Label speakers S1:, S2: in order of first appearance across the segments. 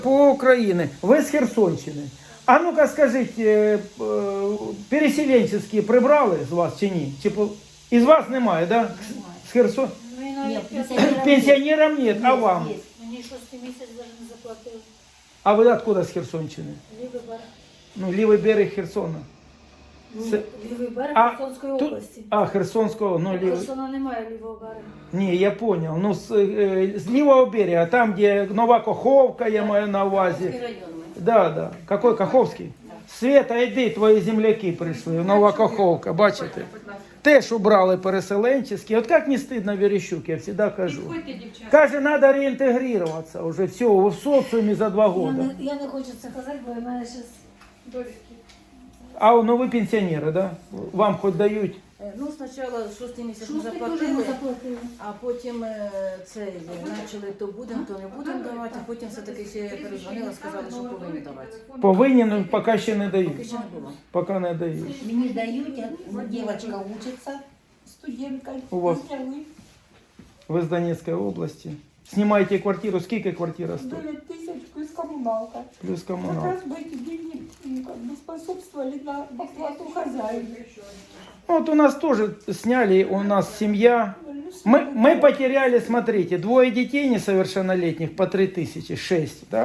S1: По Украине. Вы с Херсонщины. А ну-ка скажіть, переселенческие прибрали з вас чи ні? Із вас немає, да? З Херсон?
S2: Нет,
S1: Пенсионерам нет, а вам?
S2: Мені 6 місяць навіть не заплатили.
S1: А ви откуда з Херсонщини?
S2: Лівий берег.
S1: Ну, лівий берег Херсона.
S2: Лівий берег
S1: А,
S2: Херсонської
S1: тут-
S2: області.
S1: А, Херсонського, ну, лівий.
S2: Херсона немає лівого берега.
S1: Ні, я понял. Ну, з лівого берега, там, де Нова Каховка, я маю на увазі. Да. Какой Каховський? Света, йди, твої земляки прийшли, Нова Каховка, бачите? Теж убрали переселенческий. От як не стидно Верещук, я завжди кажу. Каже, треба реінтегруватися вже все, ви в соціумі за 2 роки.
S2: Я не хочу це казати, бо в мене зараз довідки.
S1: А ну ви пенсіонери, да? Вам хоч дають?
S3: Ну, спочатку 6 місяць ми
S2: Шостий теж
S3: заплатили,
S2: не заплатили.
S3: а потім почали то будемо, то не будемо давати, а потім все-таки ще перезвонила, сказали, що повинні давати.
S1: Повинні, ну поки ще не
S3: Поки
S1: дають.
S3: ще не було.
S1: Поки не дають.
S4: Мне дают, девочка учится, студентка.
S1: У вас? Ви з Донецької області. Знімаєте квартиру, скільки квартира стоїть?
S4: 9000 плюс коммуналка.
S1: Плюс
S4: Как
S1: комуналка.
S4: раз бы эти деньги как бы способствовали на оплату хозяина.
S1: Вот у нас тоже сняли, у нас семья. Мы потеряли, смотрите, 2 детей несовершеннолетних по 3000, 6, да?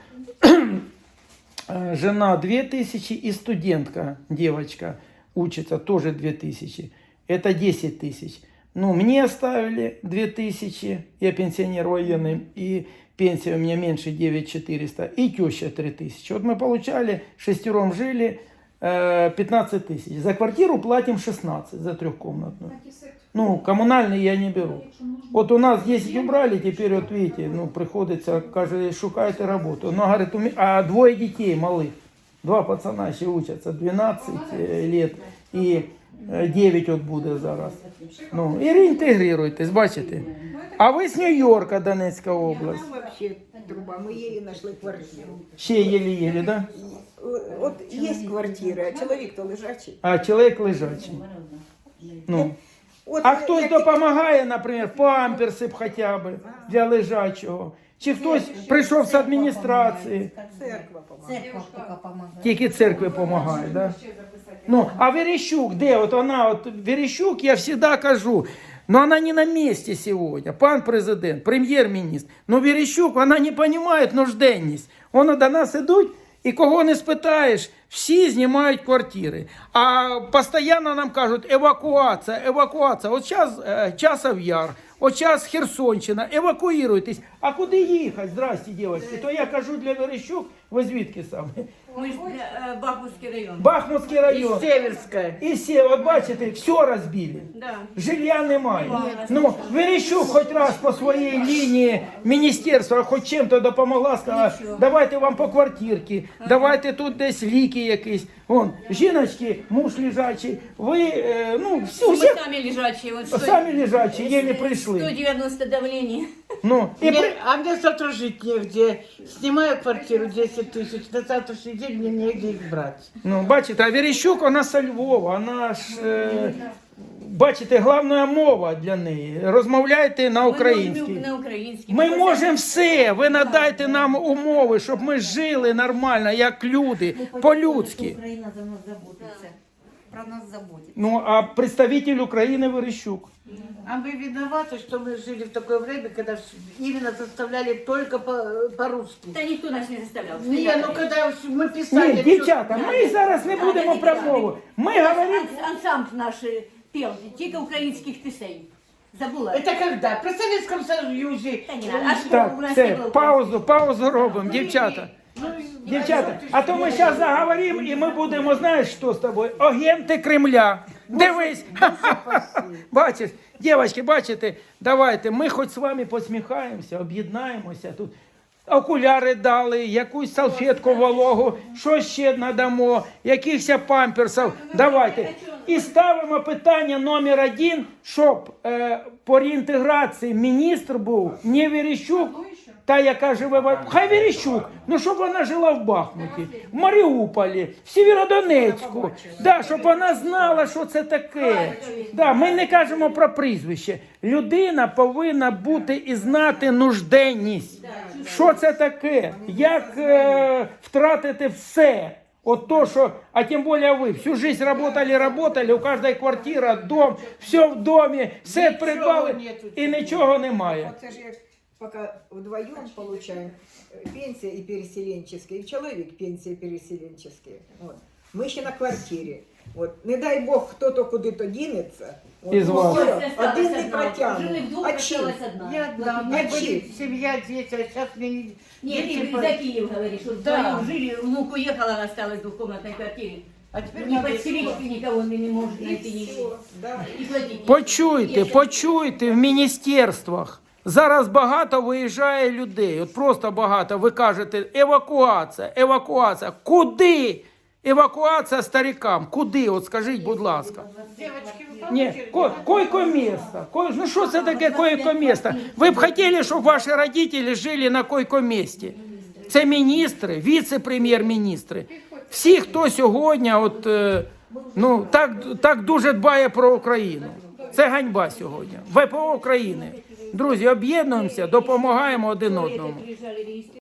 S1: Жена 2000 и студентка, девочка, учится тоже 2000. Это 10 000. Ну, мне оставили 2000, я пенсионер военный, и пенсия у меня меньше 9400, и теща 3000. Вот мы получали, 6 жили, 15 000. За квартиру платим 16, за 3-комнатную. Ну, коммунальный я не беру. Вот у нас 10 убрали, теперь вот видите, ну, приходится, каже, шукайте работу. Но, говорит, а 2 детей малых, 2 пацана еще учатся, 12 лет и 9 от буде зараз. Ну, і реінтегруйтесь, бачите. А ви з Нью-Йорка, Донецька область.
S5: Там вообще труба, мы еле нашли квартиру.
S1: Ще єлі-єлі, да?
S5: Вот есть квартира, а человек-то лежачий.
S1: А чоловік лежачий. Ну.
S5: Вот
S1: А хтось
S5: я-
S1: допомагає, наприклад, памперси б хоча б для лежачого. Чи хтось прийшов з адміністрації.
S5: Церква помогает.
S4: Церковь только помогает.
S1: Тільки церкви допомагає, да? Ну, а Верещук, де? От вона, от Верещук, я завжди кажу, но она не на месте сегодня. Пан президент, прем'єр-міністр. Но Верещук, вона не розуміє нужденність. Вони до нас ідуть, і кого не спитаєш, всі знімають квартири. А постійно нам кажуть, евакуація, евакуація. От зараз Часов Яр, от зараз Херсонщина, евакуюйтесь. А куди їхати? Здрасте, дівчатки. То я кажу для Верещук, ви звідки саме?
S6: Ми ж Бахмутський район.
S1: Бахмутський район.
S5: Северская.
S1: І всі, от бачите, все розбили.
S6: Да.
S1: Жилья немає. Ну, Верещук хоч раз по своїй лінії міністерства хоч чим-то допомогла, сказала, давайте вам по квартирці, давайте тут десь ліки якісь. Вон, жіночки, муж лежачий, ви, ну, всі,
S6: Мы
S1: всі
S6: сами лежачие. Вот
S1: самі лежачі, єлі прийшли.
S6: 190 давление.
S1: Ну, і при...
S5: А мне завтра жить негде. Снимаю квартиру 10 000, на завтрашний день мне негде их брать.
S1: Ну, бачите, а Верещук, вона со Львова, вона ж, бачите, головна мова для неї. Розмовляйте на українській.
S6: На українській.
S1: Ми можемо все, ви надайте нам умови, щоб ми жили нормально, як люди, по-людськи.
S4: Украина за нас заботится. Про нас заботится.
S1: Ну, а представитель України Верещук.
S5: А мы виноваты, что мы жили в такое время, когда именно заставляли только по-русски.
S6: Та ніхто нас не заставляв.
S5: Не, ну когда мы писали...
S1: Ні, дівчата, ми зараз не будемо про мову. Ми говоримо...
S6: Ансамбль наш пел, тільки українських пісень. Забула.
S5: Это когда? При Советском Союзе.
S6: Та ні, а що
S1: Так,
S6: у нас не
S1: це,
S6: було?
S1: паузу робимо, дівчата. Дівчата, а то ми зараз заговоримо і ми будемо, знаєш, що з тобою? Агенти Кремля. Дивись. Бачиш, дівчатки, бачите, давайте, ми хоч з вами посміхаємося, об'єднаємося тут. Окуляри дали, якусь салфетку вологу, що ще надамо, якихось памперсів. Давайте. І ставимо питання номер 1, щоб по реінтеграції міністр був не Верещук, та, яка живе хай Верещук, ну щоб вона жила в Бахмуті, в Маріуполі, в Сєвєродонецьку, да, щоб вона знала, що це таке. Да, ми не кажемо про прізвище. Людина повинна бути і знати нужденність. Що це таке? Як втратити все? От то, що, а тим більше ви всю жизнь работали, у кожної квартира, дом, все в домі, все придбали і нічого немає.
S7: Вот это же пока вдвоем получаем пенсия и переселенческие, и человек пенсия переселенческие. Вот. Мы еще на квартире. Вот. Не дай Бог, кто-то куда-то денется. Вот.
S1: Із вас.
S7: Один не
S6: Жили
S7: протягнет.
S6: вдвох,
S7: А чем?
S6: осталась одна.
S5: Я одна, у меня
S7: А
S5: были
S7: чьи?
S5: семья, дети, а сейчас мне не...
S6: Не,
S5: дети
S6: ты
S5: по-
S6: за Киев говоришь, что
S5: Да.
S6: вдвоем жили, внук уехал, она осталась в двухкомнатной квартире.
S5: А теперь
S6: Не
S5: надо
S6: подселить
S5: искать.
S6: никого не может
S7: И
S6: найти.
S7: все. Да.
S6: И платить.
S1: Почуйте, почуйте в міністерствах. Зараз багато виїжджає людей, от просто багато. Ви кажете, евакуація, евакуація. Куди? Евакуація старикам. Куди? От скажіть, будь ласка.
S5: Девочки, вы
S1: Ні,
S5: получили?
S1: койко-место. Ну що це таке койко-место? Ви б хотіли, щоб ваші родителі жили на койко-месті? Це міністри, віце-прем'єр-міністри. Всі, хто сьогодні от, ну, так дуже дбає про Україну. Це ганьба сьогодні. ВПО України. Друзі, об'єднуємося, допомагаємо один одному.
S6: Приезжали